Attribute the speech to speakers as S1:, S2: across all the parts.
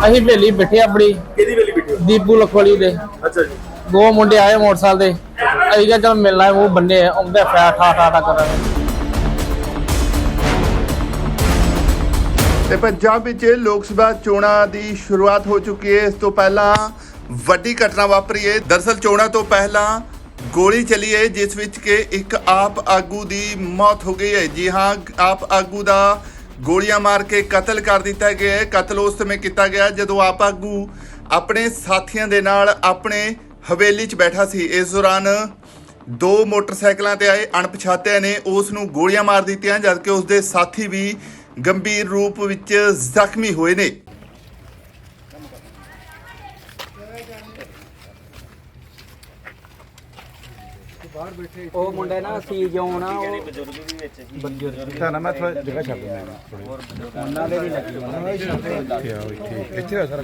S1: ਅਸੀਂ ਹਵੇਲੀ ਬੈਠੇ ਆਪਣੀ
S2: ਕਿਹਦੀ ਵੇਲੀ ਬੈਠੇ ਹੋ?
S1: ਦੀਪੂ ਲਖਵਾਲੀ ਦੇ
S2: ਅੱਛਾ ਜੀ।
S1: ਦੋ ਮੁੰਡੇ ਆਏ ਮੋਟਰਸਾਈਕਲ ਤੇ। ਅਸੀਂ ਕਿਹਾ ਚਲ ਮਿਲਣਾ ਉਹ ਬੰਨੇ ਆਉਂਦੇ ਫੈਟ ਠਾ ਕਰਾਂਗੇ।
S3: ਤੇ ਪੰਜਾਬ ਵਿੱਚ ਲੋਕ ਸਭਾ ਚੋਣਾਂ ਦੀ ਸ਼ੁਰੂਆਤ ਹੋ ਚੁੱਕੀ ਹੈ। ਇਸ ਤੋਂ ਪਹਿਲਾਂ ਵੱਡੀ ਘਟਨਾ ਵਾਪਰੀ ਹੈ। ਦਰਅਸਲ ਚੋਣਾਂ ਤੋਂ ਪਹਿਲਾਂ ਗੋਲੀ ਚੱਲੀ ਹੈ ਜਿਸ ਵਿੱਚ ਕਿ ਇੱਕ ਆਪ ਆਗੂ ਦੀ ਮੌਤ ਹੋ ਗਈ ਹੈ। ਜੀ ਹਾਂ, ਆਪ ਆਗੂ ਦਾ ਗੋਲੀਆਂ ਮਾਰ ਕੇ ਕਤਲ ਕਰ ਦਿੱਤਾ ਗਿਆ ਹੈ। ਕਤਲ ਉਸ ਸਮੇਂ ਕੀਤਾ ਗਿਆ ਜਦੋਂ ਆਪ ਆਗੂ ਆਪਣੇ ਸਾਥੀਆਂ ਦੇ ਨਾਲ ਆਪਣੇ ਹਵੇਲੀ 'ਚ ਬੈਠਾ ਸੀ। ਇਸ ਦੌਰਾਨ ਦੋ ਮੋਟਰਸਾਈਕਲਾਂ ਤੇ ਆਏ ਅਣਪਛਾਤਿਆਂ ਨੇ ਉਸ ਨੂੰ ਗੋਲੀਆਂ ਮਾਰ ਦਿੱਤੀਆਂ ਜਦਕਿ ਉਸ ਦੇ ਸਾਥੀ ਵੀ ਗੰਭੀਰ ਰੂਪ ਵਿੱਚ ਜ਼ਖਮੀ ਹੋਏ ਨੇ।
S4: ਉਹ ਮੁੰਡੇ ਨਾ ਸੀ ਜਿਉਂ ਨਾ ਉਹ
S2: ਬਜ਼ੁਰਗ ਵੀ ਵਿੱਚ ਸੀ।
S4: ਬਜ਼ੁਰਗ
S5: ਤਾਂ ਨਾ ਮੈਂ ਥੋੜਾ ਜਗ੍ਹਾ ਛੱਡ ਦਿੰਦਾ ਥੋੜੀ
S4: ਉਹਨਾਂ ਦੇ ਵੀ ਲੱਗੀ ਉਹਨਾਂ ਦੇ
S5: ਇੱਥੇ ਆ ਸਰ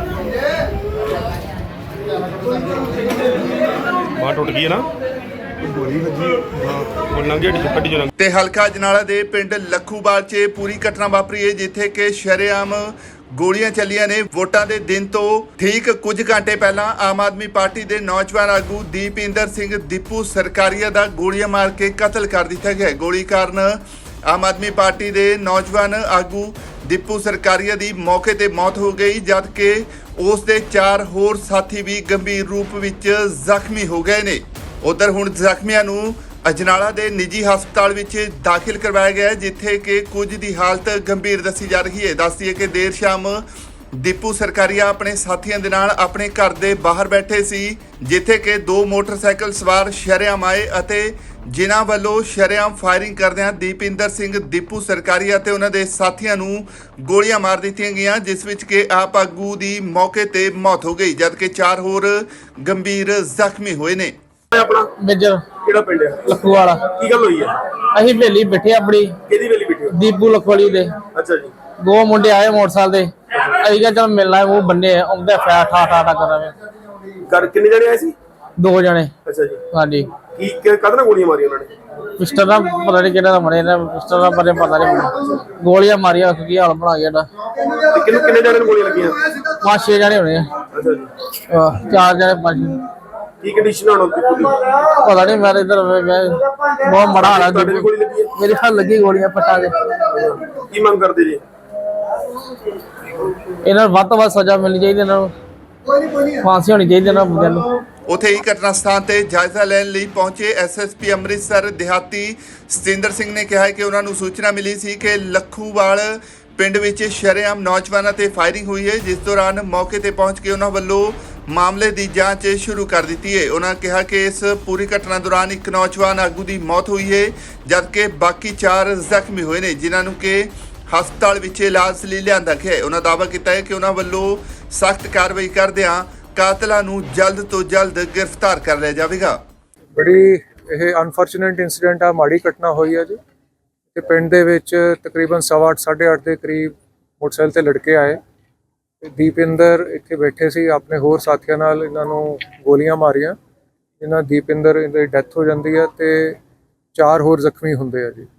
S2: ਬਾਹ ਟੁੱਟ ਗਈ ਹੈ ਨਾ,
S5: ਗੋਲੀ ਵੱਜੀ
S2: ਉਹ ਲੰਘੇ ਗੱਡੀ ਚੋਂ
S3: ਤੇ ਹਲਕਾ ਅਜਨਾਲਾ ਦੇ ਪਿੰਡ ਲੱਖੂਵਾਲ 'ਚ ਪੂਰੀ ਘਟਨਾ ਵਾਪਰੀ ਹੈ ਜਿੱਥੇ ਕਿ ਸ਼ਰੇਆਮ ਗੋਲੀਆਂ ਚੱਲੀਆਂ ਨੇ। ਵੋਟਾਂ ਦੇ ਦਿਨ ਤੋਂ ਠੀਕ ਕੁਝ ਘੰਟੇ ਪਹਿਲਾਂ ਆਮ ਆਦਮੀ ਪਾਰਟੀ ਦੇ ਨੌਜਵਾਨ ਆਗੂ ਦੀਪਿੰਦਰ ਸਿੰਘ ਦੀਪੂ ਸਰਕਾਰੀਆ ਦਾ ਗੋਲੀਆਂ ਮਾਰ ਕੇ ਕਤਲ ਕਰ ਦਿੱਤਾ ਗਿਆ। ਗੋਲੀ ਕਾਰਨ ਆਮ ਆਦਮੀ ਪਾਰਟੀ ਦੇ ਨੌਜਵਾਨ ਆਗੂ ਦੀਪੂ ਸਰਕਾਰੀਆ ਦੀ ਮੌਕੇ ਤੇ ਮੌਤ ਹੋ ਗਈ ਜਦਕਿ ਉਸ ਦੇ 4 ਹੋਰ ਸਾਥੀ ਵੀ ਗੰਭੀਰ ਰੂਪ ਵਿੱਚ ਜ਼ਖਮੀ ਹੋ ਗਏ ਨੇ। ਉਧਰ ਹੁਣ ਜ਼ਖਮੀਆਂ ਨੂੰ ਅਜਨਾਲਾ ਦੇ ਨਿੱਜੀ ਹਸਪਤਾਲ ਵਿੱਚ ਦਾਖਲ ਕਰਵਾਇਆ ਗਿਆ ਹੈ ਜਿੱਥੇ ਕਿ ਕੁਝ ਦੀ ਹਾਲਤ ਗੰਭੀਰ ਦੱਸੀ ਜਾ ਰਹੀ ਹੈ। ਦੱਸਦੀਏ ਕਿ ਦੇਰ ਸ਼ਾਮ ਦੀਪੂ ਸਰਕਾਰੀਆ ਆਪਣੇ ਸਾਥੀਆਂ ਦੇ ਨਾਲ ਆਪਣੇ ਘਰ ਦੇ ਬਾਹਰ ਬੈਠੇ ਸੀ ਜਿੱਥੇ ਕਿ ਦੋ ਮੋਟਰਸਾਈਕਲ ਸਵਾਰ ਸ਼ਰੇਆਮ ਆਏ ਅਤੇ ਜਿਨ੍ਹਾਂ ਵੱਲੋਂ ਸ਼ਰੇਆਮ ਫਾਇਰਿੰਗ ਕਰਦਿਆਂ ਦੀਪਿੰਦਰ ਸਿੰਘ ਦੀਪੂ ਸਰਕਾਰੀਆ ਤੇ ਉਹਨਾਂ ਦੇ ਸਾਥੀਆਂ ਨੂੰ ਗੋਲੀਆਂ ਮਾਰ ਦਿੱਤੀਆਂ ਗਈਆਂ ਜਿਸ ਵਿੱਚ ਕਿ ਆਪ ਆਗੂ ਦੀ ਮੌਕੇ ਤੇ ਮੌਤ ਹੋ ਗਈ ਜਦਕਿ 4 ਹੋਰ ਗੰਭੀਰ ਜ਼ਖਮੀ ਹੋਏ ਨੇ।
S2: ਆਪਣਾ
S1: ਮੇਜਰ
S2: ਕਿਹੜਾ ਪਿੰਡ ਹੈ?
S1: ਲਖਵਾਲਾ।
S2: ਕੀ ਗੱਲ ਹੋਈ ਹੈ?
S1: ਅਸੀਂ ਹਵੇਲੀ ਬੈਠੇ ਆਪਣੀ
S2: ਕਿਹਦੀ ਵੇਲੀ ਬੈਠੇ ਹੋ?
S1: ਦੀਪੂ ਲਖਵਾਲੀ ਦੇ
S2: ਅੱਛਾ ਜੀ।
S1: ਦੋ ਮੁੰਡੇ ਆਏ ਮੋਟਰਸਾਈਕਲ ਤੇ। ਅਸੀਂ ਕਿਹਾ ਚਲ ਮਿਲਣਾ ਉਹ ਬੰਨੇ ਆਉਂਦੇ ਫੈਟ ਠਾ ਕਰਾਂਗੇ।
S2: ਘਰ ਕਿੰਨੇ ਜਣੇ ਆਏ ਸੀ?
S1: ਦੋ ਜਣੇ।
S2: ਅੱਛਾ ਜੀ।
S1: ਹਾਂਜੀ।
S2: ਕੀ ਕਦੋਂ ਗੋਲੀਆਂ ਮਾਰੀਆਂ ਉਹਨਾਂ ਨੇ?
S1: ਪਿਸਟਲ ਨਾਲ ਪਤਾ ਨਹੀਂ ਕਿਹੜਾ ਦਾ ਮਰੇ ਨੇ, ਪਿਸਟਲ ਨਾਲ ਬਾਰੇ ਪਤਾ ਨਹੀਂ। ਗੋਲੀਆਂ ਮਾਰੀਆਂ ਕੀ ਹਾਲ ਬਣਾ ਗਿਆ ਇਹਦਾ।
S2: ਤੇ ਕਿੰਨੇ ਜਣੇ ਨੂੰ ਗੋਲੀਆਂ ਲੱਗੀਆਂ?
S1: 5-6 ਜਣੇ ਹੋਣੇ ਆ।
S2: ਅੱਛਾ ਜੀ।
S1: 4 ਜਣੇ 5।
S2: ਕੀ ਕੰਡੀਸ਼ਨ ਹੁਣ ਉਹਦੀ ਪੂਰੀ?
S1: ਪਤਾ ਨਹੀਂ ਮੈਂ ਇਧਰ ਬਹੁਤ ਮੜਾ ਹਾਲ
S2: ਤੁਹਾਡੇ ਵੀ ਗੋਲੀ ਲੱਗੀ ਹੈ?
S1: ਮੇਰੇ ਹੱਥ ਲੱਗੀ ਗੋਲੀਆਂ ਪੱਟਾਂ ਦੇ।
S2: ਕੀ ਮੰਗ ਕਰਦੇ ਜੀ?
S1: ਇਹਨਾਂ ਨੂੰ ਵੱਧ ਤੋਂ ਵੱਧ ਸਜ਼ਾ ਮਿਲਣੀ ਚਾਹੀਦੀ, ਇਹਨਾਂ ਨੂੰ ਫਾਂਸੀ ਹੋਣੀ ਚਾਹੀਦੀ ਇਹਨਾਂ ਬੰਦਿਆਂ ਨੂੰ।
S3: ਉੱਥੇ ਹੀ ਘਟਨਾ ਸਥਾਨ ਤੇ ਜਾਇਜ਼ਾ ਲੈਣ ਲਈ ਪਹੁੰਚੇ ਐਸਐਸਪੀ ਅੰਮ੍ਰਿਤਸਰ ਦਿਹਾਤੀ ਸਤਿੰਦਰ ਸਿੰਘ ਨੇ ਕਿਹਾ ਕਿ ਉਹਨਾਂ ਨੂੰ ਸੂਚਨਾ ਮਿਲੀ ਸੀ ਕਿ ਲੱਖੂਵਾਲ ਪਿੰਡ ਵਿੱਚ ਸ਼ਰੇਆਮ ਨੌਜਵਾਨਾਂ ਤੇ ਫਾਇਰਿੰਗ ਹੋਈ ਹੈ ਜਿਸ ਦੌਰਾਨ ਮੌਕੇ ਤੇ ਪਹੁੰਚ ਕੇ ਉਹਨਾਂ ਵੱਲੋਂ ਮਾਮਲੇ ਦੀ ਜਾਂਚ ਸ਼ੁਰੂ ਕਰ ਦਿੱਤੀ ਹੈ। ਉਹਨਾਂ ਕਿਹਾ ਕਿ ਇਸ ਪੂਰੀ ਘਟਨਾ ਦੌਰਾਨ ਇੱਕ ਨੌਜਵਾਨ ਆਗੂ ਦੀ ਮੌਤ ਹੋਈ ਹੈ ਜਦਕਿ ਬਾਕੀ 4 ਜ਼ਖਮੀ ਹੋਏ ਨੇ ਜਿਨ੍ਹਾਂ ਨੂੰ ਕਿ ਹਸਪਤਾਲ ਵਿੱਚ ਇਲਾਜ ਲਈ ਲਿਆਂਦਾ ਗਿਆ ਹੈ। ਉਹਨਾਂ ਦਾਅਵਾ ਕੀਤਾ ਹੈ ਕਿ ਉਹਨਾਂ ਵੱਲੋਂ ਸਖਤ ਕਾਰਵਾਈ ਕਰਦਿਆਂ ਕਾਤਲਾਂ ਨੂੰ ਜਲਦ ਤੋਂ ਜਲਦ ਗ੍ਰਿਫਤਾਰ ਕਰ ਲਿਆ ਜਾਵੇਗਾ।
S6: ਬੜੀ ਇਹ ਅਨਫੋਰਚੂਨੇਟ ਇਨਸੀਡੈਂਟ ਆ, ਮਾੜੀ ਘਟਨਾ ਹੋਈ ਹੈ ਜੀ। ਤੇ ਪਿੰਡ ਦੇ ਵਿੱਚ ਤਕਰੀਬਨ 8:30 8:30 ਦੇ ਕਰੀਬ ਮੋਟਰਸਾਈਕਲ ਤੇ ਲੜਕੇ ਆਏ। ਦੀਪਿੰਦਰ ਇੱਥੇ ਬੈਠੇ ਸੀ ਆਪਣੇ ਹੋਰ ਸਾਥੀਆਂ ਨਾਲ, ਇਹਨਾਂ ਨੂੰ ਗੋਲੀਆਂ ਮਾਰੀਆਂ। ਇਹਨਾਂ ਦੀਪਿੰਦਰ ਦੀ ਡੈਥ ਹੋ ਜਾਂਦੀ ਹੈ ਤੇ 4 ਹੋਰ ਜ਼ਖਮੀ ਹੁੰਦੇ ਆ ਜੀ।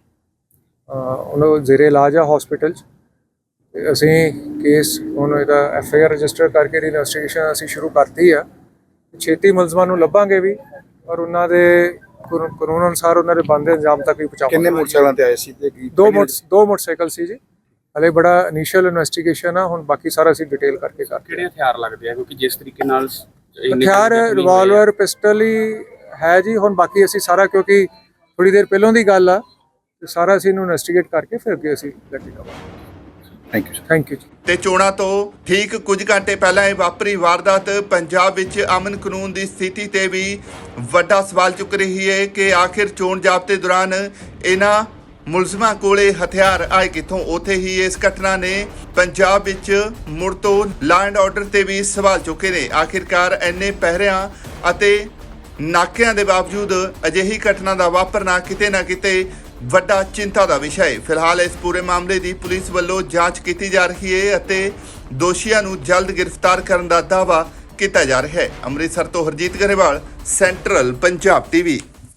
S6: ਉਹਨਾਂ ਨੂੰ ਜ਼ੇਰੇ ਇਲਾਜ ਆ ਹਸਪੀਟਲ 'ਚ। ਤੇ ਅਸੀਂ ਕੇਸ ਹੁਣ ਇਹਦਾ FIR ਰਜਿਸਟਰ ਕਰਕੇ ਇਨਵੈਸਟੀਗੇਸ਼ਨ ਅਸੀਂ ਸ਼ੁਰੂ ਕਰਤੀ ਆ। ਛੇਤੀ ਮੁਲਜ਼ਮਾਂ ਨੂੰ ਲੱਭਾਂਗੇ ਵੀ ਔਰ ਉਹਨਾਂ ਦੇ ਕਾਨੂੰਨ ਅਨੁਸਾਰ ਉਹਨਾਂ ਦੇ ਬਣਦੇ ਅੰਜਾਮ ਤੱਕ ਵੀ ਪਹੁੰਚਾਵਾਂਗੇ।
S5: ਕਿੰਨੇ ਮੋਟਰਸਾਈਕਲਾਂ ਤੇ ਆਏ ਸੀ ਤੇ
S6: ਦੋ ਮੋਟਰਸਾਈਕਲ ਸੀ ਜੀ। ਹਲੇ ਬੜਾ ਇਨੀਸ਼ੀਅਲ ਇਨਵੈਸਟੀਗੇਸ਼ਨ ਆ, ਹੁਣ ਬਾਕੀ ਸਾਰਾ ਅਸੀਂ ਡਿਟੇਲ ਕਰਕੇ
S7: ਕਿਹੜੇ ਹਥਿਆਰ ਲੱਗਦੇ ਆ ਕਿਉਂਕਿ ਜਿਸ ਤਰੀਕੇ ਨਾਲ
S6: ਹਥਿਆਰ ਰਿਵਾਲਵਰ ਪਿਸਟਲ ਹੀ ਹੈ ਜੀ। ਹੁਣ ਬਾਕੀ ਅਸੀਂ ਸਾਰਾ ਕਿਉਂਕਿ ਥੋੜੀ ਦੇਰ ਪਹਿਲਾਂ ਦੀ ਗੱਲ ਆ ਤੇ ਸਾਰਾ ਅਸੀਂ ਇਹਨੂੰ ਇਨਵੈਸਟੀਗੇਟ ਕਰਕੇ ਫਿਰ ਅੱਗੇ ਅਸੀਂ ਲੈ ਕੇ ਜਾਵਾਂਗੇ। ਥੈਂਕ ਯੂ ਜੀ।
S3: ਤੇ ਚੋਣਾਂ ਤੋਂ ਠੀਕ ਕੁਝ ਘੰਟੇ ਪਹਿਲਾਂ ਇਹ ਵਾਪਰੀ ਵਾਰਦਾਤ ਪੰਜਾਬ ਵਿੱਚ ਅਮਨ ਕਾਨੂੰਨ ਦੀ ਸਥਿਤੀ ਤੇ ਵੀ ਵੱਡਾ ਸਵਾਲ ਚੁੱਕ ਰਹੀ ਹੈ ਕਿ ਆਖਿਰ ਚੋਣ ਜ਼ਾਬਤੇ ਦੌਰਾਨ ਇਹਨਾਂ ਮੁਲਜ਼ਮਾਂ ਕੋਲੇ ਹਥਿਆਰ ਆਏ ਕਿੱਥੋਂ। ਉੱਥੇ ਹੀ ਇਸ ਘਟਨਾ ਨੇ ਪੰਜਾਬ ਵਿੱਚ ਮੁੜ ਤੋਂ ਲਾਅ ਐਂਡ ਆਰਡਰ ਤੇ ਵੀ ਸਵਾਲ ਚੁੱਕੇ ਨੇ। ਆਖਿਰਕਾਰ ਇੰਨੇ ਪਹਿਰਿਆਂ ਅਤੇ ਨਾਕਿਆਂ ਦੇ ਬਾਵਜੂਦ ਅਜਿਹੀ ਘਟਨਾ ਦਾ ਵਾਪਰਨਾ ਕਿਤੇ ਨਾ ਕਿਤੇ ਵੱਡਾ ਚਿੰਤਾ ਦਾ ਵਿਸ਼ਾ ਹੈ। ਫਿਲਹਾਲ ਇਸ ਪੂਰੇ ਮਾਮਲੇ ਦੀ ਪੁਲਿਸ ਵੱਲੋਂ ਜਾਂਚ ਕੀਤੀ ਜਾ ਰਹੀ ਹੈ ਅਤੇ ਦੋਸ਼ੀਆਂ ਨੂੰ ਜਲਦ ਗ੍ਰਿਫਤਾਰ ਕਰਨ ਦਾ ਦਾਅਵਾ ਕੀਤਾ ਜਾ ਰਿਹਾ ਹੈ। ਅੰਮ੍ਰਿਤਸਰ ਤੋਂ ਹਰਜੀਤ ਗਰੇਵਾਲ, ਸੈਂਟਰਲ ਪੰਜਾਬ TV।